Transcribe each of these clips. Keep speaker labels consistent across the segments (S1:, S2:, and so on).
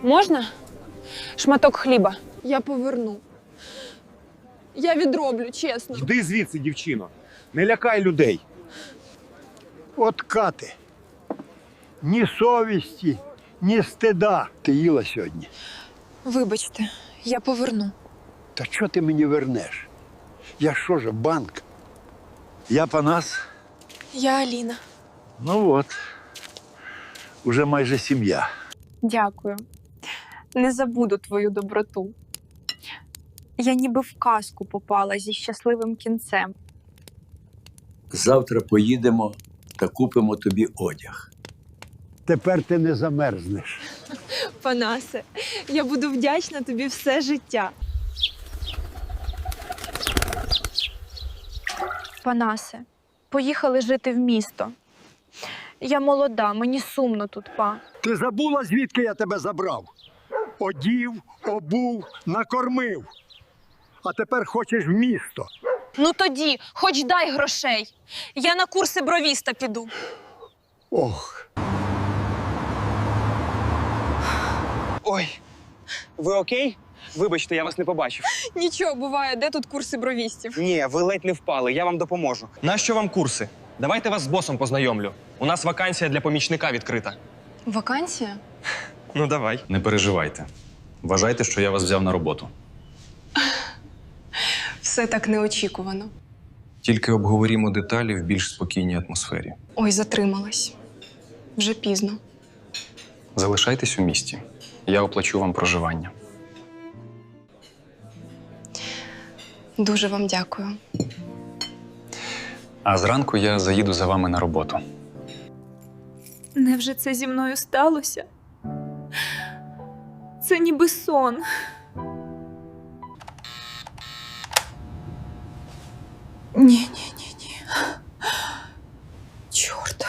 S1: Можна? Шматок хліба.
S2: Я поверну. Я відроблю, чесно.
S3: Йди звідси, дівчино. Не лякай людей.
S4: От Кати. Ні совісті, ні стида. Ти їла сьогодні.
S2: Вибачте, я поверну.
S4: Та що ти мені вернеш? Я що ж, банк? Я Панас.
S2: Я Аліна.
S4: Ну от. Уже майже сім'я.
S2: Дякую. Не забуду твою доброту. Я ніби в казку попала зі щасливим кінцем.
S4: Завтра поїдемо та купимо тобі одяг. Тепер ти не замерзнеш.
S2: Панасе, я буду вдячна тобі все життя. Панасе, поїхали жити в місто. Я молода, мені сумно тут, па.
S4: Ти забула, звідки я тебе забрав? Одів, обув, накормив. А тепер хочеш в місто.
S1: Ну тоді, хоч дай грошей. Я на курси бровіста піду.
S4: Ох.
S5: Ой, ви окей? Вибачте, я вас не побачив.
S2: Нічого, буває, де тут курси бровістів?
S5: Ні, ви ледь не впали, я вам допоможу.
S6: Нащо вам курси? Давайте вас з босом познайомлю. У нас вакансія для помічника відкрита.
S2: Вакансія?
S6: Ну, давай.
S7: Не переживайте. Вважайте, що я вас взяв на роботу.
S2: Все так неочікувано.
S7: Тільки обговорімо деталі в більш спокійній атмосфері.
S2: Ой, затрималась. Вже пізно.
S7: Залишайтесь у місті. Я оплачу вам проживання.
S2: Дуже вам дякую.
S7: А зранку я заїду за вами на роботу.
S8: Невже це зі мною сталося? Це ніби сон. Ні. Чорт.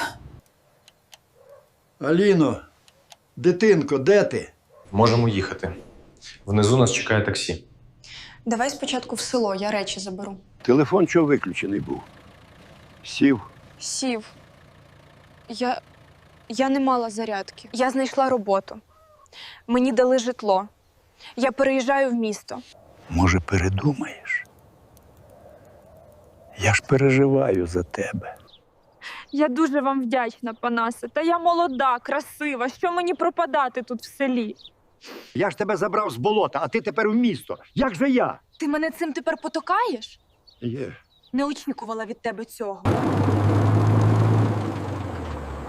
S4: Аліно, дитинко, де ти?
S7: Можемо їхати. Внизу нас чекає таксі.
S2: Давай спочатку в село, я речі заберу.
S4: Телефон чого виключений був? Сів.
S2: Сів. Я не мала зарядки.
S1: Я знайшла роботу. Мені дали житло. Я переїжджаю в місто.
S4: Може, передумаєш? Я ж переживаю за тебе.
S8: Я дуже вам вдячна, Панасе. Та я молода, красива. Що мені пропадати тут в селі?
S4: Я ж тебе забрав з болота, а ти тепер в місто. Як же я?
S1: Ти мене цим тепер потокаєш?
S4: Є.
S1: Не очікувала від тебе цього.